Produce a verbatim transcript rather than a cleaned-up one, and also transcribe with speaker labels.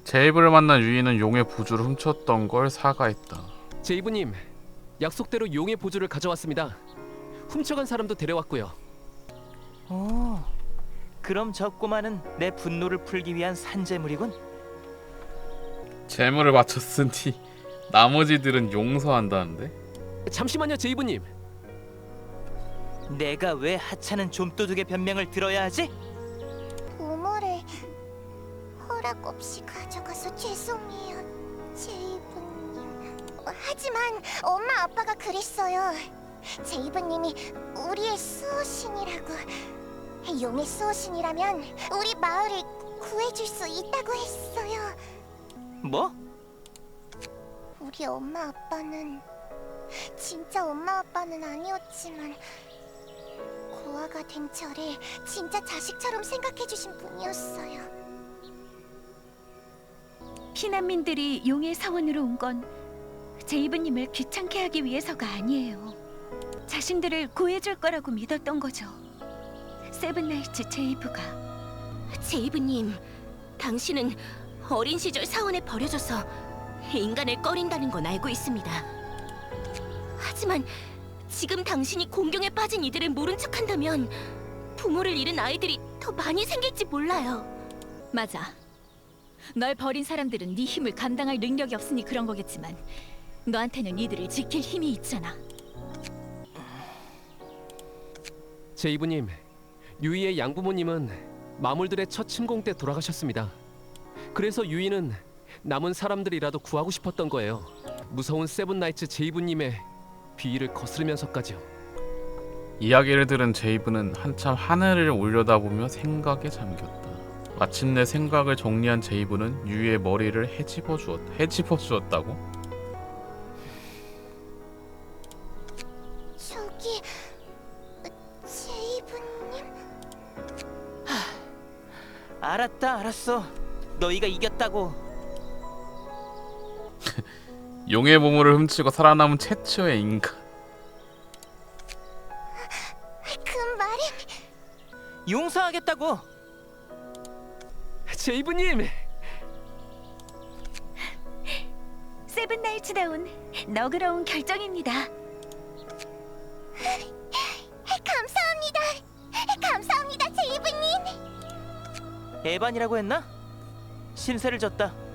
Speaker 1: 제이브를 만난 유이는 용의 부주를 훔쳤던 걸 사과했다.
Speaker 2: 제이브님, 약속대로 용의 보조를 가져왔습니다. 훔쳐간 사람도 데려왔고요.
Speaker 3: 오, 그럼 저 꼬마는 내 분노를 풀기 위한 산재물이군.
Speaker 1: 재물을 바쳤으니 나머지들은 용서한다는데?
Speaker 2: 잠시만요, 제이브님.
Speaker 3: 내가 왜 하찮은 좀도둑의 변명을 들어야 하지?
Speaker 4: 보물을 허락 없이 가져가서 죄송해요, 제이브님. 하지만 엄마 아빠가 그랬어요. 제이브님이 우리의 수호신이라고. 용의 수호신이라면 우리 마을을 구해줄 수 있다고 했어요.
Speaker 3: 뭐?
Speaker 4: 우리 엄마 아빠는 진짜 엄마 아빠는 아니었지만 고아가 된 저를 진짜 자식처럼 생각해주신 분이었어요.
Speaker 5: 피난민들이 용의 사원으로 온 건 제이브님을 귀찮게 하기 위해서가 아니에요. 자신들을 구해줄 거라고 믿었던 거죠. 세븐나이츠 제이브가.
Speaker 6: 제이브님, 당신은 어린 시절 사원에 버려져서 인간을 꺼린다는 건 알고 있습니다. 하지만 지금 당신이 공경에 빠진 이들을 모른 척한다면 부모를 잃은 아이들이 더 많이 생길지 몰라요.
Speaker 5: 맞아. 널 버린 사람들은 네 힘을 감당할 능력이 없으니 그런 거겠지만 너한테는 이들을 지킬 힘이 있잖아.
Speaker 2: 제이브님, 유이의 양부모님은 마물들의 첫 침공 때 돌아가셨습니다. 그래서 유이는 남은 사람들이라도 구하고 싶었던 거예요. 무서운 세븐나이츠 제이브님의 비위를 거스르면서까지요.
Speaker 1: 이야기를 들은 제이브는 한참 하늘을 올려다보며 생각에 잠겼다. 마침내 생각을 정리한 제이브는 유이의 머리를 헤집어 주었, 헤집어 주었다고?
Speaker 4: 저기 제이브님?
Speaker 3: 알았다, 알았어. 너희가 이겼다고.
Speaker 1: 용의 보물을 훔치고 살아남은 최초의 인간.
Speaker 4: 그 말은
Speaker 3: 용서하겠다고.
Speaker 2: 제이브님!
Speaker 5: 세븐나이츠다운 너그러운 결정입니다.
Speaker 4: 감사합니다. 감사합니다, 제이브님.
Speaker 3: 에반이라고 했나? 신세를 졌다.